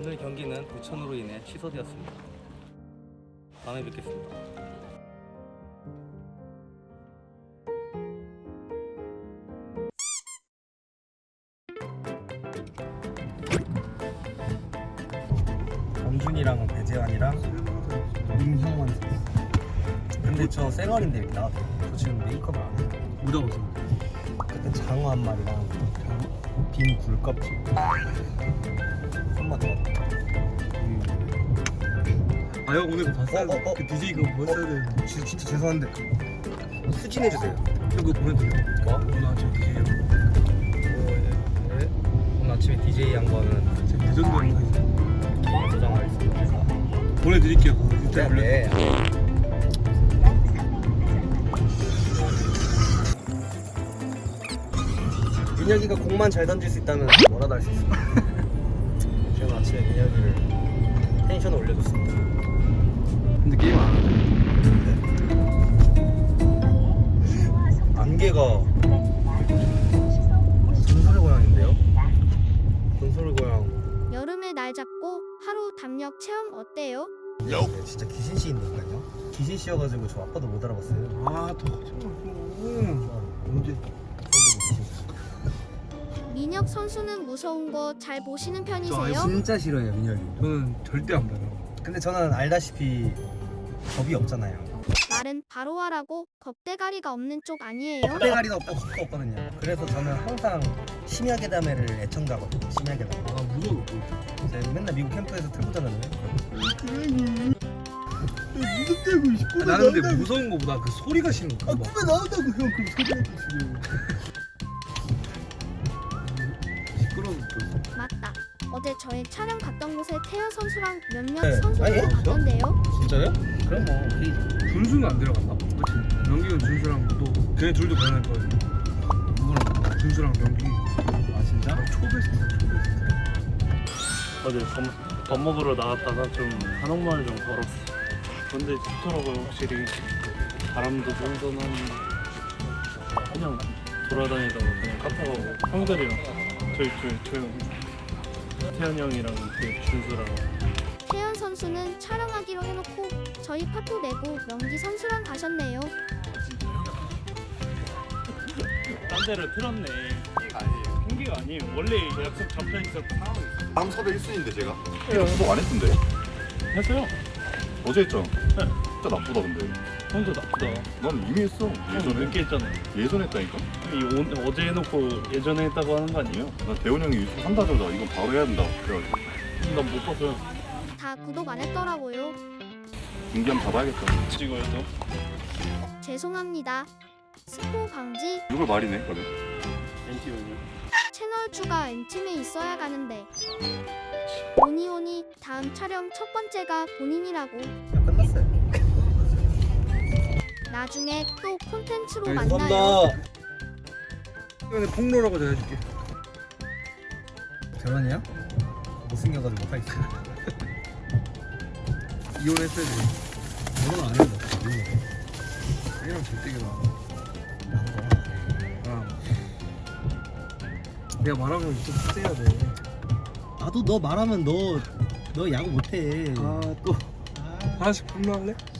오늘 경기는 부천으로 인해 취소되었습니다. 다음에 뵙겠습니다. 엄준이랑 배재환이랑 임형원 선수. 근데 저 쌩얼인데 이렇게 나왔어요. 저 지금 메이크업을 안 해요. 묻어보세요. 그때 장어 한 마리랑 빈 굴껍질 손맛 더. 아 형 오늘 그거 봤어요? 그 DJ 그거 보였어야 되는데. 진짜 죄송한데 수진해주세요. 형 그거 보내드려요. 뭐? 오늘 아침 DJ 형. 오늘 아침에 DJ 한 거는 지금 대전도 형 하지. 개인 저장하겠습니다. 보내드릴게요. 진짜 원래. 네. 민혁이가 공만 잘 던질 수 있다면 뭐라도 할 수 있어. 저는 아침에 민혁이를 텐션을 올려줬습니다. 근데 게임 안 하죠? 안개가 전설의 고향인데요? 전설의 고향. 여름에 날 잡고 하루 담력 체험 어때요? 네, 진짜 귀신씨인데니까요. 귀신씨여가지고 저 아빠도 못 알아봤어요. 아더 언제? 민혁 선수는 무서운 거 잘 보시는 저 편이세요? 진짜 싫어해요 민혁이. 저는 절대 안 봐요. 근데 저는 알다시피 겁이 없잖아요. 말은 바로 하라고 겁대가리가 없는 쪽 아니에요? 겁대가리도 없고 겁도 없거든요. 그래서 저는 항상 심야괴담회를 애청자거든요. 심야괴담회. 아 무서워. 제가 맨날 미국 캠프에서 틀고 자잖아요. 무섭다고 싶고. 나는 근데 무서운 거보다 그 소리가 싫은 거. 꿈에 나온다고 형 그 소리한테 지금. 시끄러운 거. 맞다. 어제 저희 촬영 갔던 곳에 태연 선수랑 몇몇 네. 선수들이 아니요? 갔던데요. 진짜요? 그럼 뭐 오케이. 준수는 안 들어갔나? 그치? 명기는 준수랑 또 걔네 둘도 변할 거예요. 누구랑? 준수랑 명기. 아 진짜? 초베스트야 초베스트. 어제 밥 먹으러 나갔다가 좀 한옥마을 좀 걸었어. 근데 좋더라고요. 확실히 바람도 선선한. 그냥 돌아다니다가 그냥 카페 가고 형들이랑 저희 태현 형이랑 그 준수랑 태연 선수는 촬영하기로 해놓고 저희 파토 내고 명기 선수랑 가셨네요. 딴 데를 틀었네. 핑계가 아니에요. 핑계가 아니에요. 원래 약속 잡혀 있었고 상황이 있어. 다음 섭외 1순위인데 제가 소속 안 했던데 했어요. 어제 했죠? 네. 진짜 나쁘다 근데 혼자 나쁘다. 난 이미 했어 예전에 몇개 했잖아요. 예전에 했다니까 어제 해놓고 예전에 했다고 하는 거 아니에요? 나 대원 형이 유튜브 한다자마자 이건 바로 해야 된다 그래가지고 난 못 봤어요. 다 구독 안 했더라고요. 경기 한번 잡아야겠다 찍어요 또. 죄송합니다. 스포 방지. 이걸 말이네 그러면 엔티면요. 채널 추가 엔팀에 있어야 가는데. 오니오니 다음 촬영 첫 번째가 본인이라고. 야, 끝났어요. 나중에 또 콘텐츠로 감사합니다. 만나요. 이번에 폭로라고 제가 해줄게. 결혼이야? 못생겨가지고 못하겠어. 이혼했어야 돼. 결혼 안 해도 돼. 얘랑 절대가 아. 내가 말하면 좀 세야 돼. 나도 너 말하면 너 야구 못해. 아 또 하나씩 폭로할래?